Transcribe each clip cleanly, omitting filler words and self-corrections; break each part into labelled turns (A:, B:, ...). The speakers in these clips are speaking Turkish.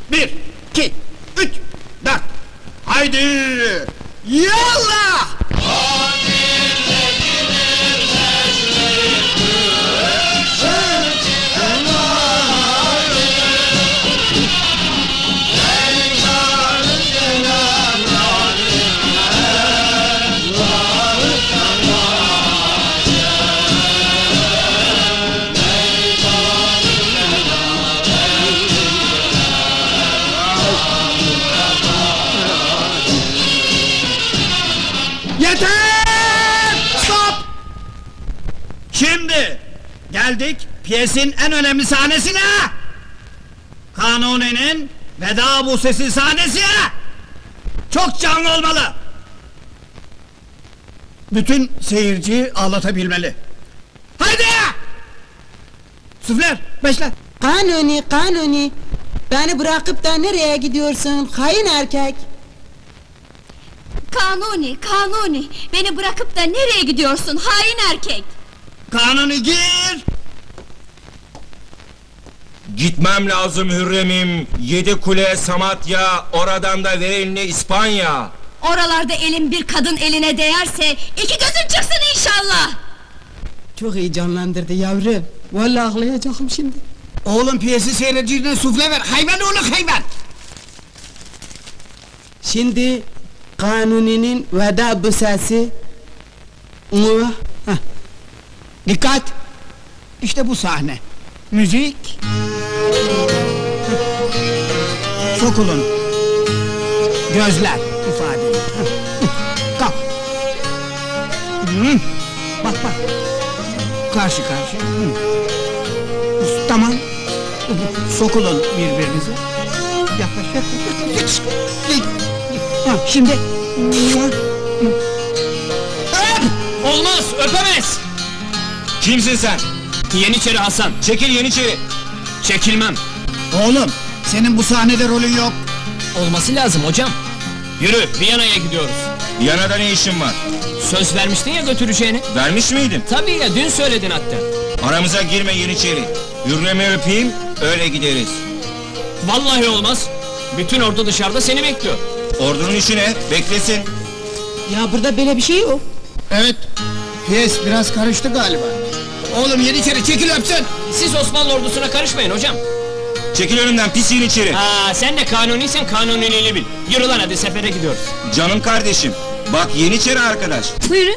A: Bir, iki, üç, dört. Haydi! Yallah! Yeter! Stop! Şimdi geldik piyesin en önemli sahnesine. Kanuni'nin veda busesi sahnesi. Çok canlı olmalı. Bütün seyirciyi ağlatabilmeli. Haydi! Süfler, beşler.
B: Kanuni, Kanuni! Beni bırakıp da nereye gidiyorsun, hain erkek?
C: Kanuni, Kanuni! Beni bırakıp da nereye gidiyorsun, hain erkek?
A: Kanuni gir!
D: Gitmem lazım Hürrem'im. Yedi kule Samatya, oradan da ver elini İspanya.
C: Oralarda elin bir kadın eline değerse, iki gözün çıksın inşallah!
B: Çok heyecanlandırdı yavrum. Vallahi ağlayacağım şimdi.
A: Oğlum piyesi seyirciden sufle ver, hayvan oğlum hayvan!
B: Şimdi Kanuni'nin veda busesi. Hah.
A: Dikkat! İşte bu sahne. Müzik. Sokulun. Gözler ifade. Kalk. Bak bak. Karşı karşı. Tamam. Sokulun birbirinize. Yaklaş yaklaş. Ha, şimdi.
E: Olmaz, öpemez!
D: Kimsin sen?
E: Yeniçeri Hasan,
D: Çekil Yeniçeri.
E: çekilmem!
A: Oğlum, senin bu sahnede rolün yok.
E: Olması lazım hocam! Yürü, Viyana'ya gidiyoruz!
D: Viyana'da ne işin var?
E: Söz vermiştin ya götüreceğini!
D: Vermiş miydin?
E: Tabii ya, dün söyledin hatta!
D: Aramıza girme Yeniçeri. Hürrem'i öpeyim, öyle gideriz.
E: Vallahi olmaz! Bütün ordu dışarıda seni bekliyor!
D: Ordunun işi ne? Beklesin.
B: Ya burada böyle bir şey yok.
A: Evet, piyes biraz karıştı galiba. Oğlum Yeniçeri çekil öpsün!
E: Siz Osmanlı ordusuna karışmayın hocam!
D: Çekil önümden pis Yeniçeri.
E: Aa, sen de kanuniysen kanuniliğini bil! Yürü lan hadi, sefere gidiyoruz!
D: Canım kardeşim. Bak Yeniçeri arkadaş.
C: Buyurun!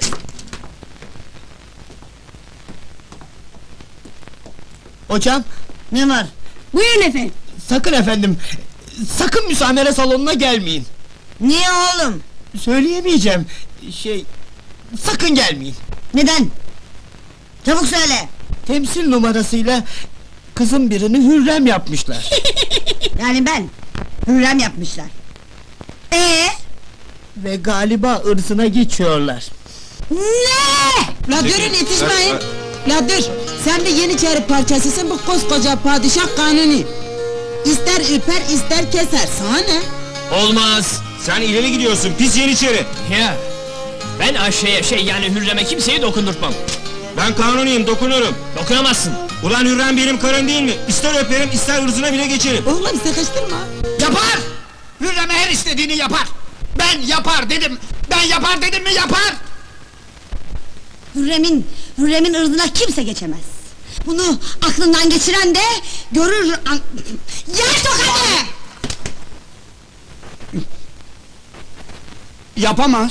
A: Hocam, ne var?
C: Buyurun efendim!
A: Sakın efendim, sakın müsamere salonuna gelmeyin.
B: Niye oğlum?
A: Söyleyemeyeceğim, sakın gelmeyin.
B: Neden? Çabuk söyle!
A: Temsil numarasıyla kızın birini Hürrem yapmışlar.
B: Yani ben, Hürrem yapmışlar.
A: Ve galiba ırzına geçiyorlar.
B: Ne? La
D: Peki,
B: durun yetişmeyin!
D: sen-
B: La dur! Sen de Yeniçeri parçasısın, bu koskoca padişah Kanuni! İster üper, ister keser, sana ne?
E: Olmaz!
D: Sen ileri gidiyorsun pis Yeniçeri.
E: Ya! Ben Ayşe'ye yani Hürrem'e kimseyi dokundurtmam!
D: Ben kanuniyim, dokunurum.
E: Dokunamazsın!
D: Ulan Hürrem benim karım değil mi? İster öperim, ister ırzına bile geçerim.
B: Oğlum sıkıştırma!
A: Yapar! Hürrem'e her istediğini yapar! Ben yapar dedim! Ben yapar dedim mi yapar!
C: Hürrem'in ırzına kimse geçemez! Bunu aklından geçiren de görür... Yer tokadı!
A: Yapamaz!